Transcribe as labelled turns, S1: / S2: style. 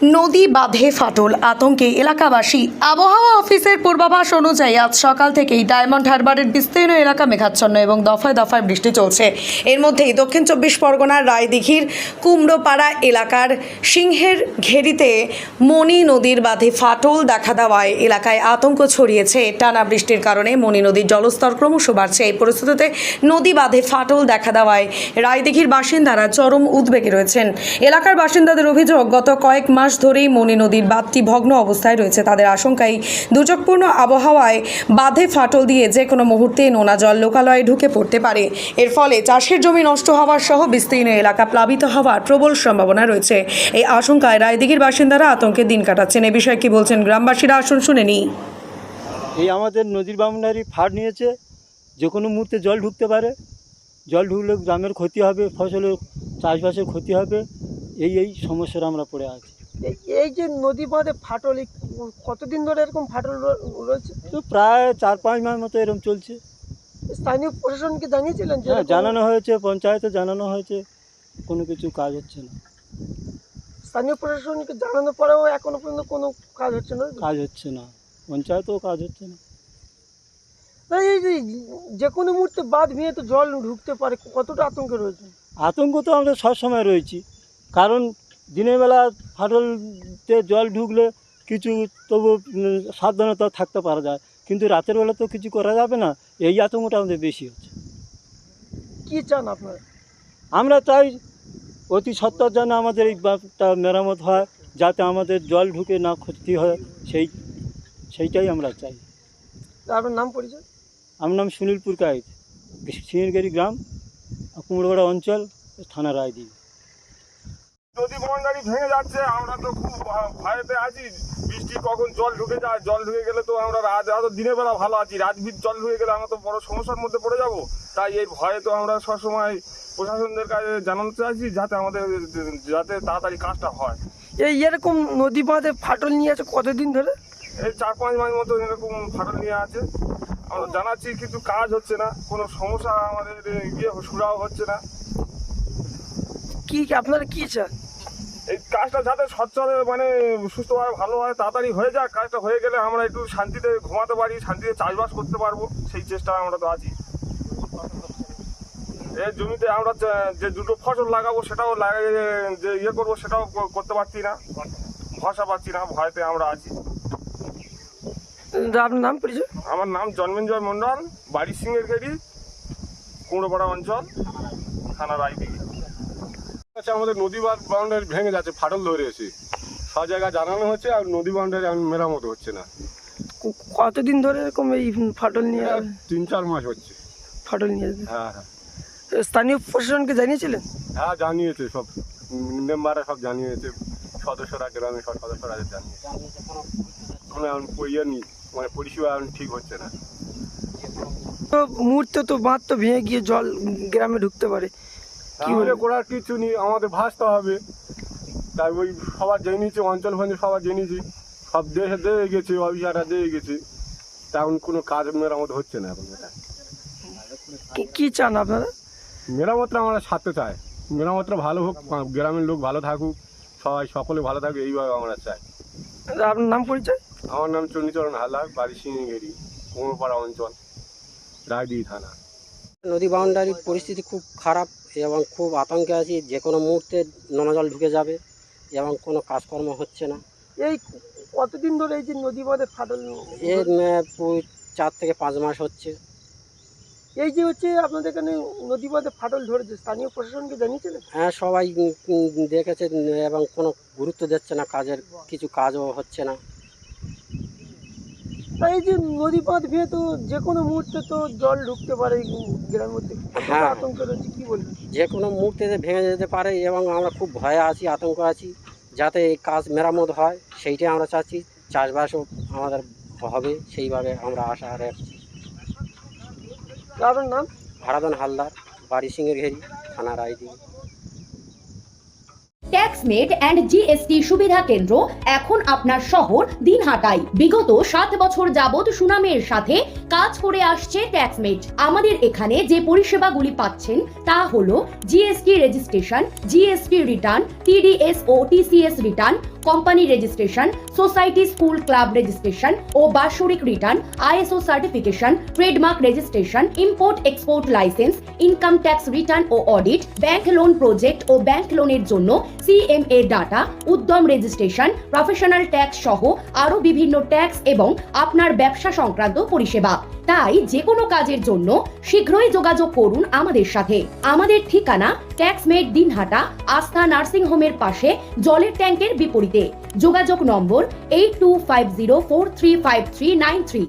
S1: নদী বাঁধে ফাটল, আতঙ্কে এলাকাবাসী। আবহাওয়া অফিসের পূর্বাভাস অনুযায়ী আজ সকাল থেকেই ডায়মন্ড হারবারের বিস্তীর্ণ এলাকা মেঘাচ্ছন্ন এবং দফায় দফায় বৃষ্টি চলছে। এর মধ্যেই দক্ষিণ 24 পরগনার রায়দিঘির কুমড়োপাড়া এলাকার সিংহের ঘেরিতে মণি নদীর বাঁধে ফাটল দেখা দেওয়ায় এলাকায় আতঙ্ক ছড়িয়েছে। টানা বৃষ্টির কারণে মণি নদীর জলস্তর ক্রমশ বাড়ছে। এই পরিস্থিতিতে নদী বাঁধে ফাটল দেখা দেওয়ায় রায়দিঘির বাসিন্দারা চরম উদ্বেগে রয়েছেন। এলাকার বাসিন্দাদের অভিযোগ, গত কয়েক মাস ধরেই মণি নদীর বাঁধটি ভগ্ন অবস্থায় রয়েছে। তাদের আশঙ্কায় দুর্যোগপূর্ণ আবহাওয়ায় বাঁধে ফাটল দিয়ে যে কোনো মুহূর্তে নোনা জল লোকালয়ে ঢুকে পড়তে পারে। এর ফলে চাষের জমি নষ্ট হওয়ার সহ বিস্তীর্ণ এলাকা প্লাবিত হওয়ার প্রবল সম্ভাবনা রয়েছে। এই আশঙ্কায় রায়দিঘির বাসিন্দারা আতঙ্কে দিন কাটাচ্ছেন। এ বিষয়ে কি বলছেন গ্রামবাসীরা, আসুন শুনে নিই।
S2: এই আমাদের নদীর বাউন্ডারি ফাট নিয়েছে, যে কোনো মুহূর্তে জল ঢুকতে পারে। জল ঢুকলে গ্রামের ক্ষতি হবে, ফসলের চাষবাসের ক্ষতি হবে। এই সমস্যার আমরা পড়ে আছি।
S3: এই যে নদী বাঁধে ফাটল, কতদিন ধরে এরকম ফাটল রয়েছে?
S2: তো প্রায় 4-5 মাস মতো এরকম চলছে।
S3: স্থানীয় প্রশাসনকে জানিয়েছিলেন?
S2: হ্যাঁ, জানানো হয়েছে, পঞ্চায়েতে জানানো হয়েছে, কোনো কিছু কাজ হচ্ছে না।
S3: স্থানীয় প্রশাসনকে জানানোর পরেও এখনো পর্যন্ত কোনো কাজ হচ্ছে না?
S2: কাজ হচ্ছে না, পঞ্চায়েতেও কাজ হচ্ছে না।
S3: তাই এই যে কোনো মুহূর্তে বাঁধ ভেঙে তো জল ঢুকতে পারে, কতটা আতঙ্কে রয়েছে?
S2: আতঙ্ক তো আমরা সবসময় রয়েছি, কারণ দিনের বেলা ফাটলতে জল ঢুকলে কিছু তবু সাবধানতা থাকতে পারা যায়, কিন্তু রাতের বেলা তো কিছু করা যাবে না। এই আতঙ্কটা আমাদের বেশি হচ্ছে।
S3: কি চান আপনারা?
S2: আমরা চাই অতি সত্বর যেন আমাদের এই বাঁধটা মেরামত হয়, যাতে আমাদের জল ঢুকে না ক্ষতি হয়, সেইটাই আমরা চাই।
S3: আপনার নাম পরিচয়?
S2: আমার নাম সুনীল পুরকাইত, সিংহেরঘেরি গ্রাম, কুমড়োপাড়া অঞ্চল, থানা রায়দিঘি।
S4: নদী বাউন্ডারি ভেঙে যাচ্ছে, আমরা তো খুব ভয়েতে আছি। বৃষ্টি কখন জল ঢুকে যায়, জল ঢুকে গেলে তো আমরা দিনের বেলা ভালো আছি, রাতবির জল ঢুকে গেলে আমরা তো বড় সমস্যার মধ্যে পড়ে যাব। তাই এই ভয়ে তো আমরা সবসময় প্রশাসনদের কাছে জানাতে চাইছি, যাতে তাড়াতাড়ি কাজটা হয়।
S3: এরকম নদী বাঁধে ফাটল নিয়ে আছে কতদিন ধরে?
S4: এই 4-5 মাস মতো এরকম ফাটল নিয়ে আছে। আমরা জানাচ্ছি, কিন্তু কাজ হচ্ছে না, কোনো সমস্যা আমাদের সুরাও হচ্ছে না।
S3: কি আপনারা কি চান?
S4: এই কাজটা যাতে সচ্ছলে সুস্থভাবে ভালো হয়, তাড়াতাড়ি হয়ে যাক। কাজটা হয়ে গেলে আমরা একটু শান্তিতে ঘুমাতে পারি, শান্তিতে চাষবাস করতে পারবো, সেই চেষ্টায় আমরা তো আছি। এই জমিতে আমরা যে দুটো ফসল লাগাবো সেটাও যে করবো সেটাও করতে পারছি না, ভরসা পাচ্ছি না, ভয়তে আমরা আছি।
S3: আপনার নাম পরিচয়?
S4: আমার নাম জন্মেঞ্জয় মণ্ডল, বাড়ি সিংহের ঘেরি, কুমড়োপাড়া অঞ্চল, থানা রায়দিঘি।
S5: আচ্ছা, আমাদের নদী বাউন্ডারি ভেঙে যাচ্ছে, ফাটল ধরে এসে সব জায়গায় জানানো হচ্ছে, আর নদী বাউন্ডারি মেরামত হচ্ছে না।
S3: কতদিন ধরে এরকম এই ফাটল নিয়ে?
S5: 3-4 মাস হচ্ছে
S3: ফাটল নিয়ে?
S5: হ্যাঁ হ্যাঁ
S3: স্থানীয় প্রশাসনকে জানিয়েছিলেন?
S5: হ্যাঁ, জানিয়েছে, সব মেম্বাররা সব জানিয়েছে, সদস্যরা, গ্রামের সব সদস্যরা জানিয়েছে। কোনো এখন পরিষেবা এখন ঠিক হচ্ছে না।
S3: তো মুহূর্তে তো বাঁধ তো ভেঙে গিয়ে জল গ্রামে ঢুকতে পারে,
S5: আমাদের করার কিছু নেই, আমাদের ভাসতে হবে। তাই ওই সবার জেনেছি, অঞ্চল সবার জেনেছি, সব দেশে দিয়ে গেছে, অফিসাররা দিয়ে গেছে, তেমন কোনো কাজ মেরামত হচ্ছে না এখন। এটা
S3: কি চান আপনারা?
S5: মেরামতটা আমরা সারতে চাই, মেরামতটা ভালো হোক, গ্রামের লোক ভালো থাকুক, সকলে ভালো থাকুক, এইভাবে আমরা চাই।
S3: আপনার নাম পরিচয়?
S5: আমার নাম চণ্ডীচরণ হালদার, বাড়ি সিংহেরঘেরি, কুমড়োপাড়া অঞ্চল, রায়দিঘি থানা।
S6: নদী বাউন্ডারির পরিস্থিতি খুব খারাপ এবং খুব আতঙ্কে আছি, যে কোনো মুহূর্তে নোনা জল ঢুকে যাবে এবং কোনো কাজকর্ম হচ্ছে না।
S3: এই কতদিন ধরে এই যে নদী বাঁধে ফাটল?
S6: এর 4 থেকে 5 মাস হচ্ছে।
S3: এই যে আপনাদের এখানে নদী বাঁধে ফাটল ধরেছে, স্থানীয় প্রশাসনকে জানিয়েছিলেন?
S6: হ্যাঁ, সবাই দেখেছে এবং কোনো গুরুত্ব দিচ্ছে না, কিছু কাজও হচ্ছে না।
S3: এই যে নদী বাঁধ ভেঙে তো যে কোনো মুহূর্তে তো জল ঢুকতে পারে গ্রামের মধ্যে,
S6: হ্যাঁ,
S3: আতঙ্ক রয়েছে, কি বলবেন?
S6: যে কোনো মুহূর্তে ভেঙে যেতে পারে এবং আমরা খুব ভয়ে আছি, আতঙ্ক আছি, যাতে এই কাজ মেরামত হয় সেইটাই আমরা চাচ্ছি। চাষবাসও আমাদের হবে, সেইভাবে আমরা আশা রাখছি।
S3: আপনার নাম?
S6: হারাধন হালদার, বাড়ি সিংহেরঘেরি, থানা রায়দিঘি।
S7: ট্যাক্সমেট অ্যান্ড জিএসটি সুবিধা কেন্দ্র এখন আপনার শহর দিনহাটায়। বিগত 7 বছর যাবত সুনামের সাথে কাজ করে আসছে ট্যাক্সমেট। আমাদের এখানে যে পরিষেবাগুলি পাচ্ছেন তা হলো GST registration, GST return, TDS ও TCS return, company registration, society school club registration ও বাৎসরিক return, ISO certification, trademark registration, import export licence, income tax return ও অডিট, ব্যাংক লোন প্রজেক্ট ও ব্যাংক লোনের জন্য CMA data, Udyam registration, professional tax সহ আরো বিভিন্ন ট্যাক্স এবং আপনার ব্যবসা সংক্রান্ত পরিষেবা। তাই যে কোনো কাজের জন্য শীঘ্রই যোগাযোগ করুন আমাদের সাথে। আমাদের ঠিকানা ট্যাক্সমেট দিনহাটা, আস্থা নার্সিং হোমের পাশে, জলের ট্যাঙ্কের বিপরীতে। যোগাযোগ নম্বর 8250435393।